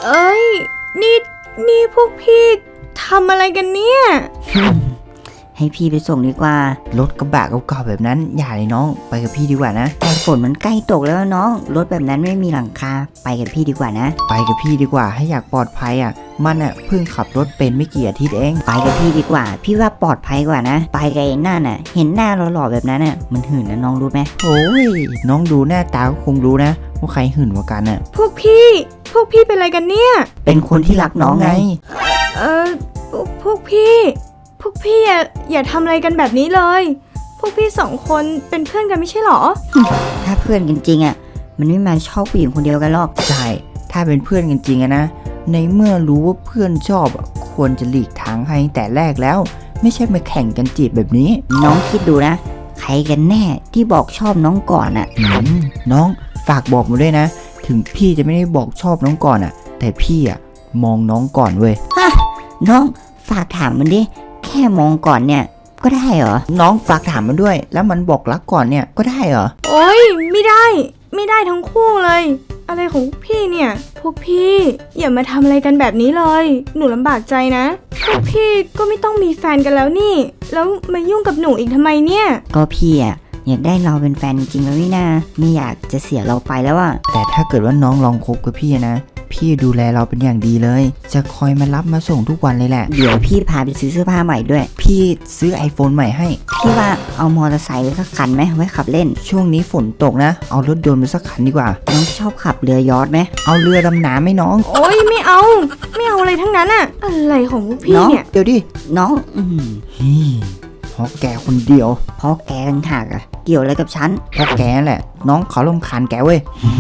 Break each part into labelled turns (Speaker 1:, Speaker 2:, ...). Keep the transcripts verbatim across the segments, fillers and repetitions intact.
Speaker 1: เอ้ยนี่นี่พวกพี่ทำอะไรกันเนี่ย
Speaker 2: ให้พี่ไปส่งดีกว่าร
Speaker 3: ถกระบะเก่าๆแบบนั้นอย่าเลยน้องไปกับพี่ดีกว่านะ
Speaker 2: แต่ฝนมันใกล้ตกแล้วน้องรถแบบนั้นไม่มีหลังคาไปกับพี่ดีกว่านะ
Speaker 3: ไปกับพี่ดีกว่าให้อยากปลอดภัยอ่ะมันอ่ะเพิ่งขับรถเป็นไม่กี่อาทิตย์เอง
Speaker 2: ไปกับพี่ดีกว่าพี่ว่าปลอดภัยกว่านะไปกับไอ้นั่นน่ะเห็นหน้าหล่อๆแบบนั้นน่ะมันหื่นนะน้องรู้ไหม
Speaker 3: โอ้ยน้องดูหน้าตาก็คงรู้นะว่าใครหื่นกว่ากันอ่ะ
Speaker 1: พวกพี่พวกพี่เป็นอะไรกันเนี่ย
Speaker 2: เป็นคนที่รักน้องไง
Speaker 1: เออพวกพี่พวกพี่อย่าอย่าทำอะไรกันแบบนี้เลยพวกพี่สองคนเป็นเพื่อนกันไม่ใช่หรอ
Speaker 2: ถ้าเพื่อนกันจริงอ่ะมันไม่มาชอบผู้หญิงคนเดียวกันหรอก
Speaker 3: ใช่ถ้าเป็นเพื่อนกันจริงอะนะในเมื่อรู้ว่าเพื่อนชอบควรจะหลีกทางให้แต่แรกแล้วไม่ใช่มาแข่งกันจีบแบบนี้
Speaker 2: น้องคิดดูนะใครกันแน่ที่บอกชอบน้องก่อนอ่ะ
Speaker 3: น้องฝากบอกมาด้วยนะถึงพี่จะไม่ได้บอกชอบน้องก่อนอ่ะแต่พี่อ่ะมองน้องก่อนเว้ย
Speaker 2: ฮะน้องฝากถามมันดิแค่มองก่อนเนี่ยก็ได้เหรอ
Speaker 3: น้องฝากถามมันด้วยแล้วมันบอกรักก่อนเนี่ยก็ได้เหรอ
Speaker 1: โอ๊ยไม่ได้ไม่ได้ทั้งคู่เลยอะไรของพี่เนี่ยพวกพี่อย่ามาทำอะไรกันแบบนี้เลยหนูลำบากใจนะพวกพี่ก็ไม่ต้องมีแฟนกันแล้วนี่แล้วมายุ่งกับหนูอีกทำไมเนี่ย
Speaker 2: ก็พี่อ่ะอยากได้เราเป็นแฟนจริงๆแล้วนี่นาไม่อยากจะเสียเราไปแล้วอ่ะ
Speaker 3: แต่ถ้าเกิดว่าน้องลองคบกับพี่นะพี่ดูแลเราเป็นอย่างดีเลยจะคอยมารับมาส่งทุกวันเลยแหละ
Speaker 2: เดี๋ยวพี่พาไปซื้อเสื้อผ้าใหม่ด้วย
Speaker 3: พี่ซื้อ iPhone ใหม่ให้
Speaker 2: พี่ว่าเอามอเตอร์ไซค์ไปสักคันไหมไว้ขับเล่น
Speaker 3: ช่วงนี้ฝนตกนะเอารถยนต์ไปสักคันดีกว่า
Speaker 2: น้องชอบขับเรือยอชต์ไหม
Speaker 3: เอาเรือดำน้ำไหมน้อง
Speaker 1: โอ๊ยไม่เอาไม่เอาอะไรทั้งนั้นอะอะไรของพี่เนี่ย
Speaker 3: เดี๋ยวดิ
Speaker 2: น้องอืม
Speaker 3: เพราะแกคนเดียว
Speaker 2: เพราะแกต่างหากอะเกี่ยวอะไรกับฉัน
Speaker 3: เพราะแกแหละน้องเขารำคาญแกเว้ย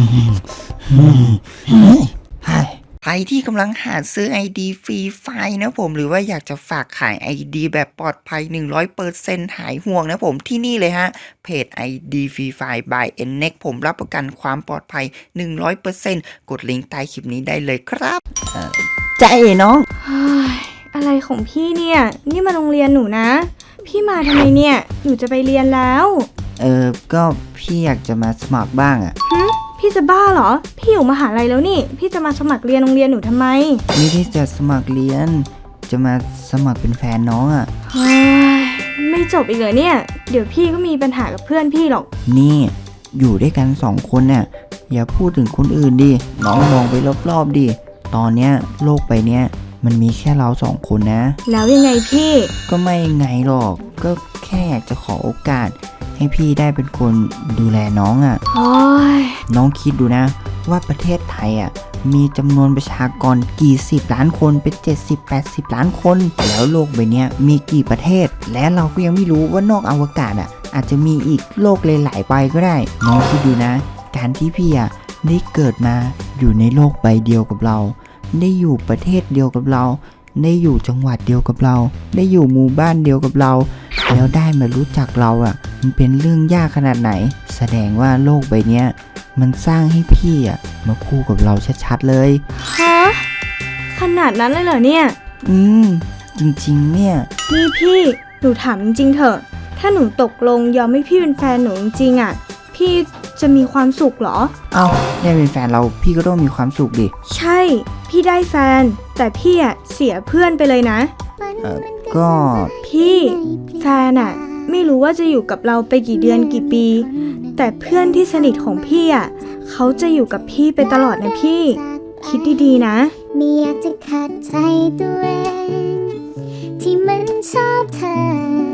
Speaker 3: ใครที่กำลังหาซื้อ ไอ ดี ฟรีไฟล์นะผมหรือว่าอยากจะฝากขาย ไอ ดี แบบปลอดภัย หนึ่งร้อยเปอร์เซ็นต์ หายห่วงนะผมที่นี่เลยฮะเพจ ไอ ดี ฟรีไฟล์ by เอ็น เน็กซ์ ผมรับประกันความปลอดภัย หนึ่งร้อยเปอร์เซ็นต์ กดลิงก์ใต้คลิปนี้ได้เลยครับ
Speaker 2: ใจน้อง
Speaker 1: อะไรของพี่เนี่ยนี่มาโรงเรียนหนูนะพี่มาทำไมเนี่ยหนูจะไปเรียนแล้ว
Speaker 3: เออก็พี่อยากจะมาสมัครบ้างอ่ะ
Speaker 1: พี่จะบ้าเหรอพี่อยู่มหาลัยแล้วนี่พี่จะมาสมัครเรียนโรงเรียนหนูทำไม
Speaker 3: ไม่ได้จะสมัครเรียนจะมาสมัครเป็นแฟนน้องอ่ะ
Speaker 1: ไม่จบอีกเหรอเนี่ยเดี๋ยวพี่ก็มีปัญหากับเพื่อนพี่หรอก
Speaker 3: นี่อยู่ด้วยกันสองคนเนี่ยอย่าพูดถึงคนอื่นดิน้องมองไปรอบๆดิตอนเนี้ยโลกใบเนี้ยมันมีแค่เราสองคนนะ
Speaker 1: แล้วยังไงพี่
Speaker 3: ก็ไม่ไงหรอกก็แค่อยากจะขอโอกาสให้พี่ได้เป็นคนดูแลน้องอ่ะน้องคิดดูนะว่าประเทศไทยอ่ะมีจำนวนประชากรกี่สิบล้านคนเป็นเจ็ดสิบ แปดสิบล้านคนแล้วโลกใบนี้มีกี่ประเทศและเราก็ยังไม่รู้ว่านอกอวกาศอ่ะอาจจะมีอีกโลกหลายๆใบก็ได้น้องคิดดูนะการที่พี่อ่ะได้เกิดมาอยู่ในโลกใบเดียวกับเราได้อยู่ประเทศเดียวกับเราได้อยู่จังหวัดเดียวกับเราได้อยู่หมู่บ้านเดียวกับเราแล้วได้มารู้จักเราอ่ะมันเป็นเรื่องยากขนาดไหนแสดงว่าโลกใบเนี้ยมันสร้างให้พี่อ่ะมาคู่กับเราชัดๆเลย
Speaker 1: ฮะขนาดนั้นเลยเหรอเนี่ย
Speaker 3: อืมจริงๆเนี่ย
Speaker 1: นี่พี่หนูถามจริงๆเถอะถ้าหนูตกลงยอมให้พี่เป็นแฟนหนูจริงๆอ่ะพี่จะมีความสุขเหรอ
Speaker 3: เอ้าได้เป็นแฟนเราพี่ก็ต้องมีความสุขดิ
Speaker 1: ใช่พี่ได้แฟนแต่พี่อ่ะเสียเพื่อนไปเลยนะ
Speaker 3: เออก็
Speaker 1: พี่แฟนอ่ะไม่รู้ว่าจะอยู่กับเราไปกี่เดือนกี่ปีแต่เพื่อนที่สนิทของพี่อ่ะเขาจะอยู่กับพี่ไปตลอดนะพี่คิดดีๆนะ
Speaker 4: ไม่อยากจะขัดใจตัวเองที่มันชอบเธอ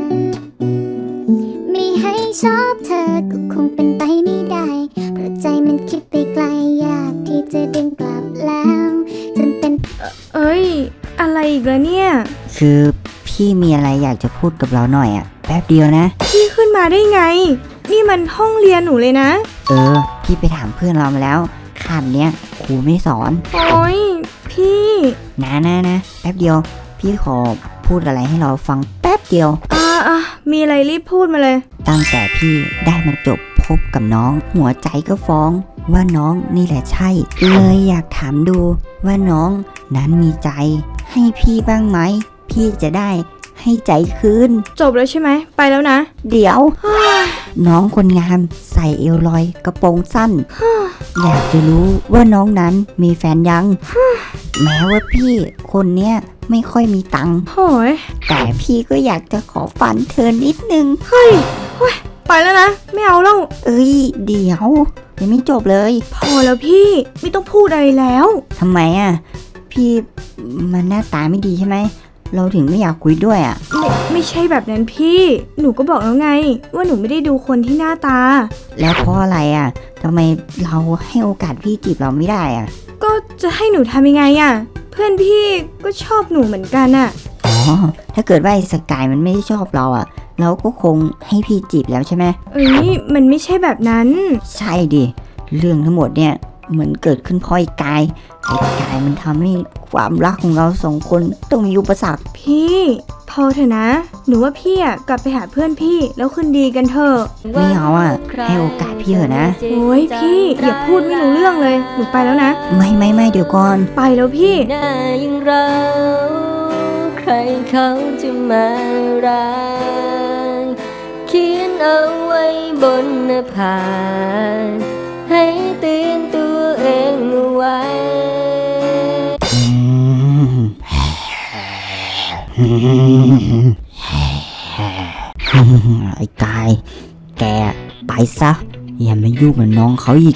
Speaker 4: ไม่ให้ชอบเธอก็คงเป็นไปไม่ได้เพราะใจมันคิดไปไกลยากที่จะดึงกลับแล้วจนเป็น
Speaker 1: เอ้ยอะไรอีกแล้วเนี่ย
Speaker 2: คือพี่มีอะไรอยากจะพูดกับเราหน่อยอ่ะแป๊บเดียวนะ
Speaker 1: พี่ขึ้นมาได้ไงนี่มันห้องเรียนหนูเลยนะ
Speaker 2: เออพี่ไปถามเพื่อนเรามาแล้วคาบเนี้ยครูไม่สอน
Speaker 1: โอ๊ยพี่
Speaker 2: นะนะนะแป๊บเดียวพี่ขอพูดอะไรให้เราฟังแป๊บเดียว
Speaker 1: อ่าอ่ะมีอะไรรีบพูดมาเลย
Speaker 2: ตั้งแต่พี่ได้มาจบพบกับน้องหัวใจก็ฟ้องว่าน้องนี่แหละใช่เลยอยากถามดูว่าน้องนั้นมีใจให้พี่บ้างไหมพี่จะได้ให้ใจคืน
Speaker 1: จบแล้วใช่ไหมไปแล้วนะ
Speaker 2: เดี๋ยว น้องคนงามใส่เอวลอยกระโปรงสั้น อยากจะรู้ว่าน้องนั้นมีแฟนยัง แม้ว่าพี่คนเนี้ยไม่ค่อยมีตังค์
Speaker 1: โหย
Speaker 2: แต่พี่ก็อยากจะขอฝันเธอนิดนึง
Speaker 1: เฮ้ยเฮ้ยไปแล้วนะ ไม่เอาแล้ว
Speaker 2: เอ้ย เดี๋ยวยังไม่จบเลย
Speaker 1: พอแล้วพี่ไม่ต้องพูดอะไรแล้ว
Speaker 2: ทำไมอ่ะ พี่มันหน้าตาไม่ดีใช่ไหม เราถึงไม่อยากคุยด้วยอ่ะ
Speaker 1: ไม่ไม่ใช่แบบนั้นพี่ หนูก็บอกแล้วไง ว่าหนูไม่ได้ดูคนที่หน้าตา
Speaker 2: แล้วเพราะอะไรอ่ะทำไมเราให้โอกาสพี่จีบเราไม่ได้อ่ะ
Speaker 1: ก็จะให้หนูทำยังไงอะเพื่อนพี่ก็ชอบหนูเหมือนกันอะ
Speaker 2: อ๋อ ถ้าเกิดว่าไอ้สกายมันไม่ได้ชอบเราอ่ะ เราก็คงให้พี่จีบแล้วใช่ไหม
Speaker 1: เอ้ยมันไม่ใช่แบบนั้น
Speaker 2: ใช่ดิ เรื่องทั้งหมดเนี่ยเหมือนเกิดขึ้นเพราะไอ้กาย ไอ้กายมันทำให้ความรักของเราสองคนต้องมีอุปสรรค
Speaker 1: พี่พอเถอะนะ หนูว่าพี่อะกลับไปหาเพื่อนพี่แล้วคืนดีกันเถอะ
Speaker 2: ไม่เอาอ่ะ ให้โอกาสพี่เถอะนะ
Speaker 1: โอ้ยพี่อย่าพูดไม่รู้เรื่องเลย หนูไปแล้วนะ
Speaker 2: ไม่ไม่ไม่เดี๋ยวก่อน
Speaker 1: ไปแล้วพี่
Speaker 5: หน้าอย่างเราใครเขาจะมารักเขียนเอาไว้บนหน้าผากให้เตือนตัวเองเอาไว้
Speaker 2: ไอ้กาย แกไปซะ อย่ามายุ่งกับน้องเขาอีก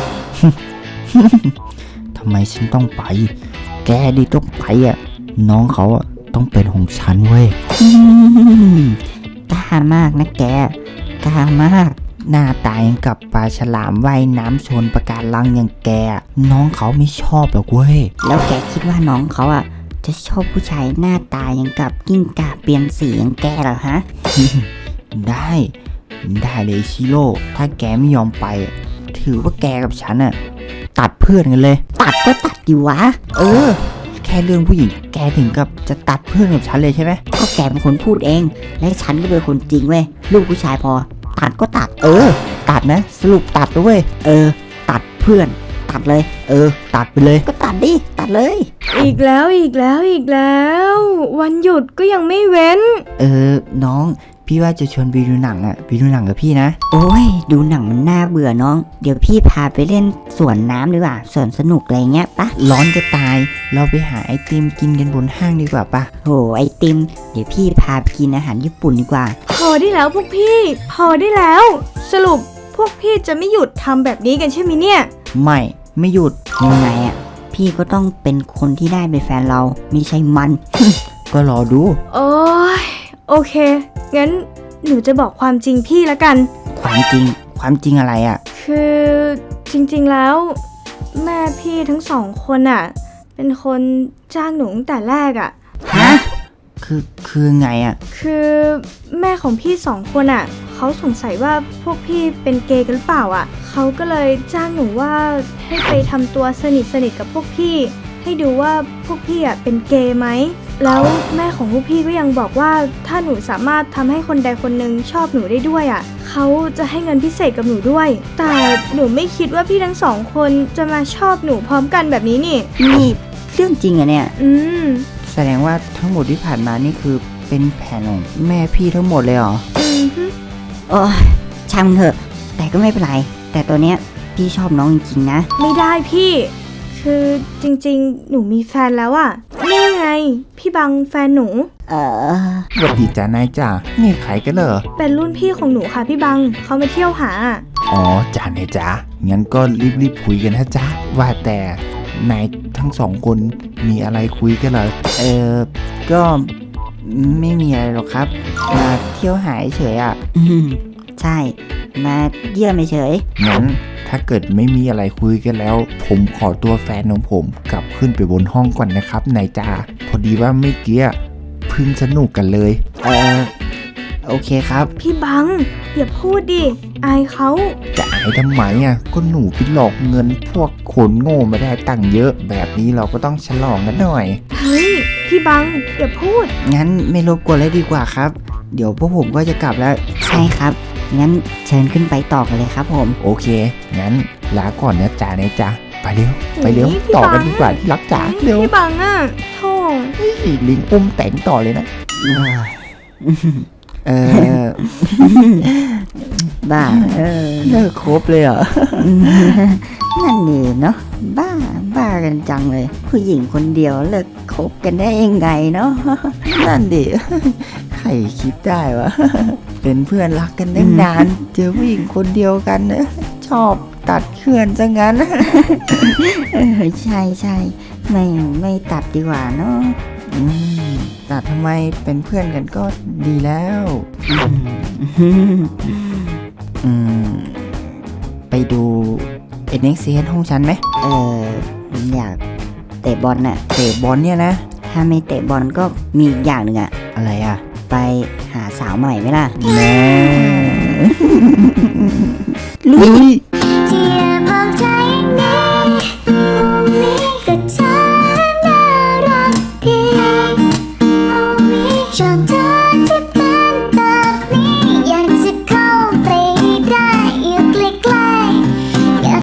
Speaker 3: ทำไมฉันต้องไป แกดิต้องไปอ่ะ น้องเขาอ่ะต้องเป็นของฉันเว้ย
Speaker 2: อืมกล้ามากนะแก กล้ามาก
Speaker 3: หน้าตายังกับปลาฉลามว่ายน้ำชนปะการังอย่างแกอะน้องเขาไม่ชอบหรอกเว้ย
Speaker 2: แล้วแกคิดว่าน้องเขาอ่ะ จะชอบผู้ชายหน้าตาอย่างกับกิ้งก่าเปลี่ยนสีอย่างแกเหรอฮะ
Speaker 3: ได้ ได้เลยชิโร่ ถ้าแกไม่ยอมไปอะถือว่าแกกับฉันอ่ะตัดเพื่อนกันเลย
Speaker 2: ตัดก็ตัดดิวะ
Speaker 3: เออ แค่เรื่องผู้หญิงแกถึงกับจะตัดเพื่อนกับฉันเลยใช่ไหม
Speaker 2: ก็แกเป็นคนพูดเอง และฉันก็เป็นคนจริงเว้ย ลูกผู้ชายพอ ตัดก็ตัด
Speaker 3: เออ ตัดนะ สรุปตัดด้วยเวย
Speaker 2: เออ ตัดเพื่อน ตัดเลย
Speaker 3: เออ ตัดไปเลย
Speaker 2: ก็ตัดดิ ตัดเลย
Speaker 1: อีกแล้วอีกแล้วอีกแล้ว วันหยุดก็ยังไม่เว้น
Speaker 3: เออ น้อง พี่ว่าจะชวนไปดูหนังอ่ะไปดูหนังกับพี่นะ
Speaker 2: โอ้ย ดูหนังมันน่าเบื่อน้อง เดี๋ยวพี่พาไปเล่นสวนน้ำดีกว่าสวนสนุกอะไรเงี้ยปะ
Speaker 3: ร้อนจะตาย เราไปหาไอติมกินกันบนห้างดีกว่าปะ
Speaker 2: โหไอติม เดี๋ยวพี่พาไปกินอาหารญี่ปุ่นดีกว่า
Speaker 1: พอได้แล้วพวกพี่ พอได้แล้ว สรุปพวกพี่จะไม่หยุดทำแบบนี้กันใช่ไหมเนี่ย
Speaker 3: ไม่ ไม่หยุด
Speaker 2: ยังไงอ่ะ พี่ก็ต้องเป็นคนที่ได้เป็นแฟนเรา ไม่ใช่มัน
Speaker 3: ก็รอดู
Speaker 1: โอ้ยโอเค งั้นหนูจะบอกความจริงพี่ละกัน
Speaker 3: ความจริง ความจริงอะไรอ่ะ
Speaker 1: คือจริงๆแล้ว แม่พี่ทั้งสองคนอ่ะ เป็นคนจ้างหนูตั้งแต่แรกอ่ะ
Speaker 2: ฮะ
Speaker 3: คือ คือไงอ่ะ
Speaker 1: คือแม่ของพี่สองคนอ่ะเขาสงสัยว่าพวกพี่เป็นเกย์กันหรือเปล่าอ่ะเขาก็เลยจ้างหนูว่าให้ไปทำตัวสนิทสนิทกับพวกพี่ ให้ดูว่าพวกพี่อ่ะเป็นเกย์ไหมแล้วแม่ของพวกพี่ก็ยังบอกว่าถ้าหนูสามารถทำให้คนใดคนหนึ่งชอบหนูได้ด้วยอ่ะเขาจะให้เงินพิเศษกับหนูด้วย แต่หนูไม่คิดว่าพี่ทั้งสองคนจะมาชอบหนูพร้อมกันแบบนี้นี่
Speaker 2: นี่เรื่องจริงอะเนี่ย
Speaker 1: อืม
Speaker 3: แสดงว่าทั้งหมดที่ผ่านมานี่คือเป็นแผนของแม่พี่ทั้งหมดเลยเหรอ
Speaker 1: อืมฮึ
Speaker 2: โอ้ยช่างมันเถอะ แต่ก็ไม่เป็นไร แต่ตัวเนี้ยพี่ชอบน้องจริงๆนะ
Speaker 1: ไม่ได้พี่ คือจริงๆ หนูมีแฟนแล้วอะนี่ไง พี่บังแฟนหนู
Speaker 2: เออ
Speaker 3: สวัสดีจ้านายจ้านี่ใครกันเหรอ
Speaker 1: เป็นรุ่นพี่ของหนูค่ะพี่บังเขามาเที่ยวหาอะ
Speaker 3: อ๋อจ้านายจ้างั้นก็รีบๆคุยกันนะจ้าว่าแต่นายทั้งสองคนมีอะไรคุยกันเหรอ
Speaker 2: เออก็ไม่มีอะไรหรอกครับ มาเที่ยวหายเฉยอ่ะ อืมใช่ มาเยี่ยมเฉย
Speaker 3: งั้นถ้าเกิดไม่มีอะไรคุยกันแล้ว ผมขอตัวแฟนของผมกลับขึ้นไปบนห้องก่อนนะครับนายจ้าพอดีว่าเมื่อกี้เพิ่งสนุกกันเลย
Speaker 2: เออโอเคครับ
Speaker 1: พี่บังอย่าพูดดิอายเขา
Speaker 3: จะอายทำไมอ่ะก็หนูไปหลอกเงินพวกคนโง่มาได้ตังค์เยอะ แบบนี้เราก็ต้องฉลองกันหน่อย
Speaker 1: เฮ้ยพี่บังอย่าพูด
Speaker 2: งั้นไม่รบกวนเลยดีกว่าครับ เดี๋ยวพวกผมก็จะกลับแล้ว ใช่ครับ งั้นเชิญขึ้นไปต่อกันเลยครับผม
Speaker 3: โอเค งั้นลาก่อนนะจ๊ะนายจ๊ะไปเร็ว ไปเร็ว
Speaker 1: โอ้ยพี่
Speaker 3: ต่อกัน
Speaker 1: บัง
Speaker 3: ดีกว่าที่รักจ๋าเร็ว
Speaker 1: พี่บังอะโธ่
Speaker 3: เฮ้ยลิงอุ้มแต่งต่อเลยนะเออ
Speaker 2: บ้าเออ
Speaker 3: เลิกครบเลยเหรอ
Speaker 2: นั่นนี่เนาะบ้าบ้ากันจังเลย ผู้หญิงคนเดียวเลิกคบกันได้ยังไงเนาะ
Speaker 3: นั่นดิ ใครคิดได้วะ เป็นเพื่อนรักกันตั้งนาน เจอผู้หญิงคนเดียวกันนะชอบตัดเขื่อนซะงั้น
Speaker 2: เออใช่ใช่ไม่ไม่ตัดดีกว่าเนาะ
Speaker 3: อืมตัดทำไมเป็นเพื่อนกันก็ดีแล้ว อืม ไปดูเอ็นเอ็กซ์ซีห้องฉันไหม
Speaker 2: เอออยากเตะบอลน่ะ
Speaker 3: เตะบอลเนี่ยนะ
Speaker 2: ถ้าไม่เตะบอลก็มีอีกอย่างหนึ่งอะ
Speaker 3: อะไรอ่ะ
Speaker 2: ไปหาสาวใหม่ไหมล่ะ
Speaker 3: แม่ลุย